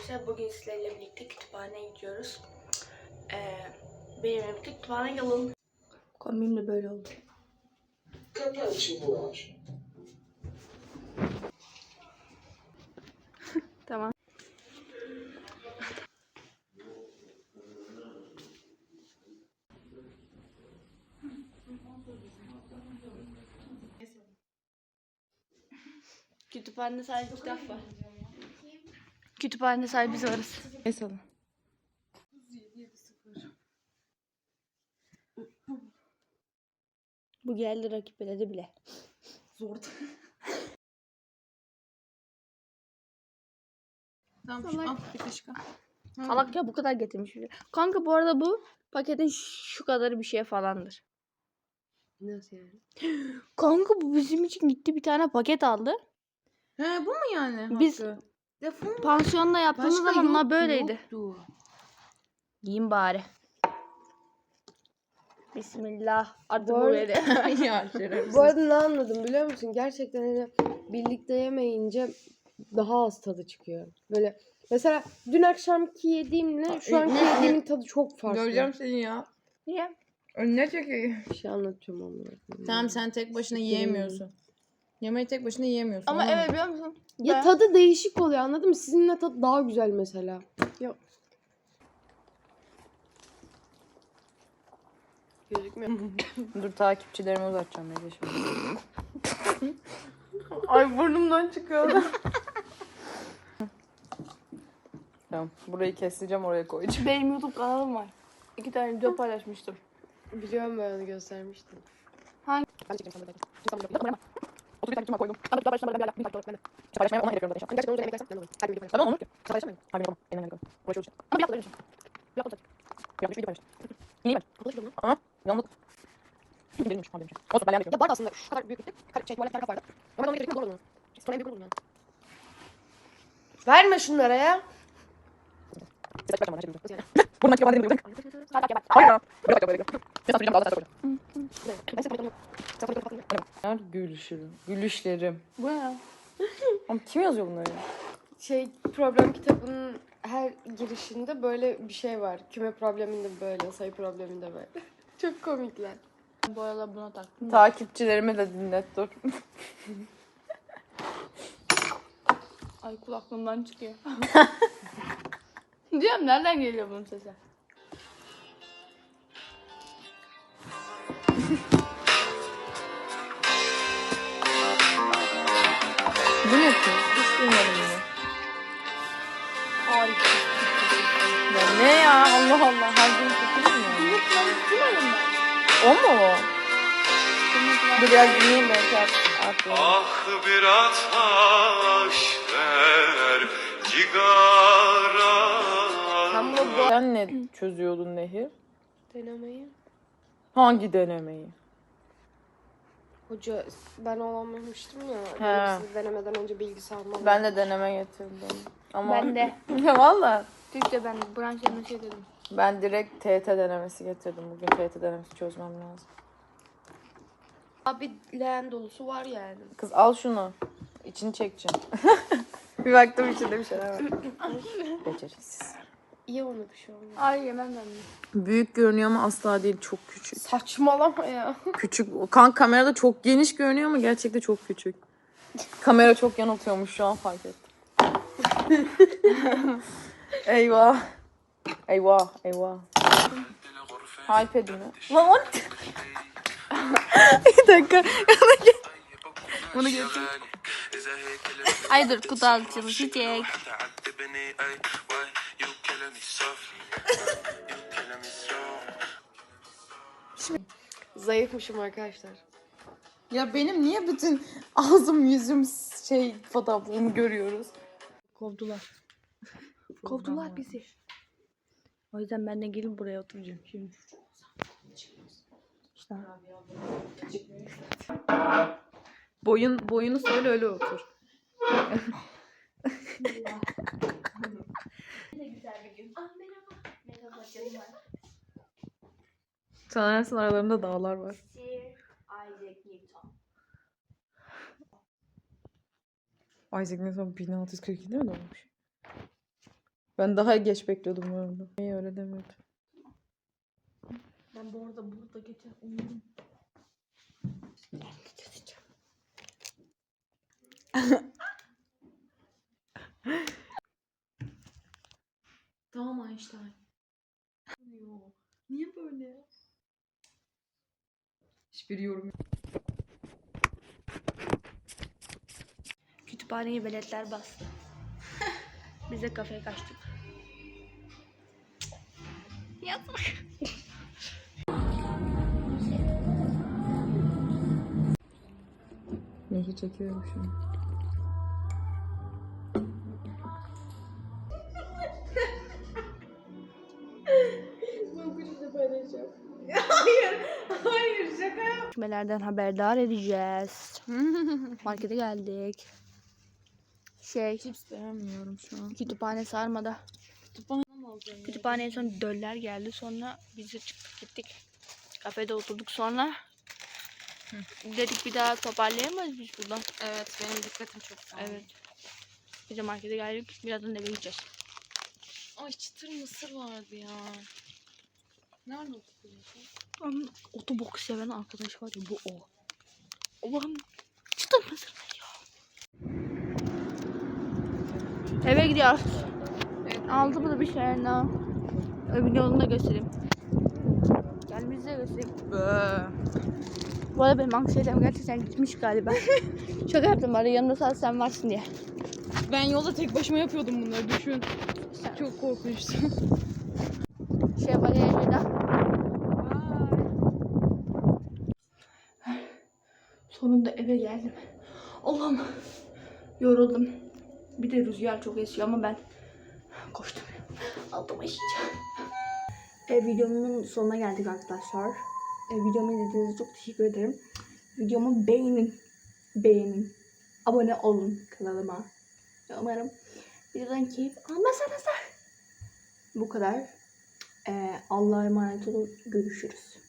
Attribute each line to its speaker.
Speaker 1: arkadaşlar, bugün sizlerle birlikte kütüphaneye gidiyoruz. Benimle birlikte kütüphaneye gelin. Kombim de böyle oldu. Tamam. Kütüphanede sadece kitap var. Kütüphanede sadece biz varız.
Speaker 2: Mesela.
Speaker 1: Bu geldi rakip eledi bile.
Speaker 2: Zor. Tamam
Speaker 1: Salak.
Speaker 2: al bir kaşık al.
Speaker 1: Salak ya, bu kadar getirmiş. Kanka bu arada bu paketin şu kadarı bir şey falandır.
Speaker 2: Nasıl yani?
Speaker 1: Kanka bu bizim için gitti bir tane paket aldı.
Speaker 2: He bu mu yani?
Speaker 1: Biz
Speaker 2: hakkı? Defol.
Speaker 1: pansiyonda yaptığımız
Speaker 2: Başka
Speaker 1: zamanlar
Speaker 2: yoktu,
Speaker 1: böyleydi.
Speaker 2: yoktu.
Speaker 1: Yiyeyim bari. Bismillah. Artık
Speaker 3: Bu
Speaker 1: bu
Speaker 3: arada-
Speaker 1: böyle.
Speaker 2: Ya şerefsiz.
Speaker 3: Bu arada ne anladım biliyor musun? Gerçekten hani birlikte yemeyince daha az tadı çıkıyor. Böyle mesela dün akşamki yediğimle şu anki yediğimin tadı çok farklı.
Speaker 2: Göreceğim seni ya.
Speaker 1: Niye?
Speaker 2: Önüne çekeyim.
Speaker 3: Bir şey anlatıyorum ama.
Speaker 2: Tamam sen tek başına yiyemiyorsun. Yemeği tek başına yiyemiyorsun.
Speaker 1: Ama
Speaker 2: anladın mı?
Speaker 1: evet, biliyor musun?
Speaker 3: Ya
Speaker 1: Ben-
Speaker 3: tadı değişik oluyor, anladın mı? Sizinle tadı daha güzel mesela.
Speaker 1: Yok.
Speaker 3: Gözükmüyor.
Speaker 2: Dur takipçilerime uzatacağım Ece şimdi.
Speaker 1: Ay burnumdan çıkıyor.
Speaker 2: Tamam burayı keseceğim oraya koyacağım.
Speaker 1: Benim YouTube kanalım var. 2 tane video paylaşmıştım.
Speaker 3: Biliyorum, ben onu göstermiştim.
Speaker 1: Hangi?
Speaker 3: Ben çekeceğim sana.
Speaker 2: 30 takipçim var koydum.
Speaker 3: Ben de.
Speaker 2: Paylaşmaya onu hedefliyorum zaten.
Speaker 3: Ben gerçekten onu yemek istersen ben de olayım. Her gün video paylaşırım.
Speaker 2: Tamam olur ki.
Speaker 3: Sen paylaşır mısın?
Speaker 2: Harbi yapamam. Elimden geldi. Uğraşıyoruz.
Speaker 3: Ama bir hafta öyle bir şey. Bir hafta olacak.
Speaker 2: Yanlış video paylaştım. İyi ben.
Speaker 3: Kapalı video mu?
Speaker 2: Ama yanlış. Değilmiş. Olsun ben beğendim.
Speaker 3: Ya var da aslında şu kadar büyüklükte, tuvalet kar vardı. Ama ben onu getirdim, doğru onu. Sonra en büyük buldum yani. Verme şunlara ya.
Speaker 2: Bir dakika bana şimdi.
Speaker 3: Nasıl yani?
Speaker 2: Buradan çıkıyor bana dedim.
Speaker 3: Hadi gel.
Speaker 2: Hayır ya. Bir dakika böyle. Ben satacağım daha da satacağım.
Speaker 3: Ben senin yok. Sen fotoğrafı kapatın.
Speaker 2: Gülüşlerim.
Speaker 1: Bu ne ya?
Speaker 2: Ama kim yazıyor bunları ya?
Speaker 3: Problem kitabının her girişinde böyle bir şey var. Küme probleminde böyle, sayı probleminde böyle. Çok komikler.
Speaker 1: Bu arada buna taktım.
Speaker 2: Takipçilerime de dinlet dur.
Speaker 1: Ay kulaklığımdan çıkıyor. Diyorum, nereden geliyor bunun sesi?
Speaker 2: Bu ne yapıyor? Hiç duymadım bunu.
Speaker 1: Harika.
Speaker 2: Ya ne ya? Allah Allah. Her gün tutuyor mu?
Speaker 1: Yok lan, tutmadım ben.
Speaker 2: O mu o? Dur biraz dinleyeyim belki artık.
Speaker 4: Ah bir ateş ver cigara.
Speaker 2: Sen ne çözüyordun Nehir?
Speaker 3: Denemeyi.
Speaker 2: Hangi denemeyi?
Speaker 3: Hoca ben olamamıştım ya.
Speaker 2: He.
Speaker 3: Sizi denemeden önce bilgisi almam.
Speaker 2: Ben de deneme getirdim. Ama...
Speaker 1: Ben de.
Speaker 2: Ya valla.
Speaker 1: Türkçe ben branşlarına şey dedim.
Speaker 2: Ben direkt TET denemesi getirdim. Bugün TET denemesi çözmem lazım.
Speaker 3: Abi leğen dolusu var yani.
Speaker 2: Kız al şunu. İçini çekeceğim. Bir baktım içinde bir şeyler var. Beceriksiz.
Speaker 3: İyi, ona bir şey olmaz.
Speaker 1: Ay yemem ben de.
Speaker 2: Büyük görünüyor ama asla değil. Çok küçük.
Speaker 3: Saçmalama ya.
Speaker 2: Küçük. Kamerada çok geniş görünüyor ama gerçekten çok küçük. Kamera çok yanıltıyormuş şu an fark ettim. Eyvah. Eyvah. Eyvah. iPad'imi. Lan o... Bir dakika. Bunu getir.
Speaker 1: Ay dur, kutu altılı çiçek.
Speaker 3: Zayıfmışım arkadaşlar.
Speaker 2: Ya benim niye bütün ağzım yüzüm fotoğraflarını görüyoruz?
Speaker 1: Kovdular. Kovdular bizi. O yüzden ben de gelip buraya oturacağım şimdi. İşte.
Speaker 2: Boyunu söyle öyle otur.
Speaker 1: Ne güzel bir gün. Ah merhaba. Merhaba canım.
Speaker 2: Sanırsın aralarında dağlar var.
Speaker 1: Sir Isaac Newton.
Speaker 2: Isaac Newton 1642'de mi doğmuş? Ben daha geç bekliyordum bu arada. İyi öyle demiyordum.
Speaker 1: Ben bu arada burada geçen uyudum. Tamam Einstein. Niye böyle?
Speaker 2: Hiçbir yorum yok.
Speaker 1: Kütüphaneyi veletler bastı. Biz de kafeye kaçtık. Yazık.
Speaker 2: Nehri çekiyorum şu an.
Speaker 1: Gelişmelerden haberdar edeceğiz. Markete geldik.
Speaker 2: Cips beğenmiyorum şu an.
Speaker 1: Kütüphane sarmada.
Speaker 2: Kütüphaneden alacağım.
Speaker 1: Kütüphaneye sonra döller geldi. Sonra biz de çıktık gittik. Kafede oturduk sonra. Dedik bir daha toparlayamayız biz buradan.
Speaker 2: Evet benim dikkatim çok dağıldı.
Speaker 1: Evet. Biz de markete geldik. Birazdan eve gideceğiz.
Speaker 2: Ay çıtır mısır vardı ya. Nerede okuyorsun?
Speaker 1: Otobok seven arkadaş var ya bu o. Allah'ım çıtır mısır ne ya? Eve gidiyoruz.
Speaker 2: Evet.
Speaker 1: Aldı bu da bir şeyler daha. Evin yolunu da göstereyim. Gelimizi de göstereyim. Bu arada benim anksiyetem gerçekten gitmiş galiba. Şaka yaptım bari yanımda sadece sen varsın diye.
Speaker 2: Ben yolda tek başıma yapıyordum bunları düşün.
Speaker 1: Sen...
Speaker 2: Çok korkunçtu.
Speaker 1: Şey var ya şurada. Sonunda eve geldim. Allah'ım yoruldum. Bir de rüzgar çok esiyor ama ben koştum. Altıma işeceğim. Videomun sonuna geldik arkadaşlar. Videomu izlediğiniz için çok teşekkür ederim. Videomu beğenin. Beğenin. Abone olun kanalıma. Umarım videodan keyif almasanız da. Bu kadar. Allah'a emanet olun. Görüşürüz.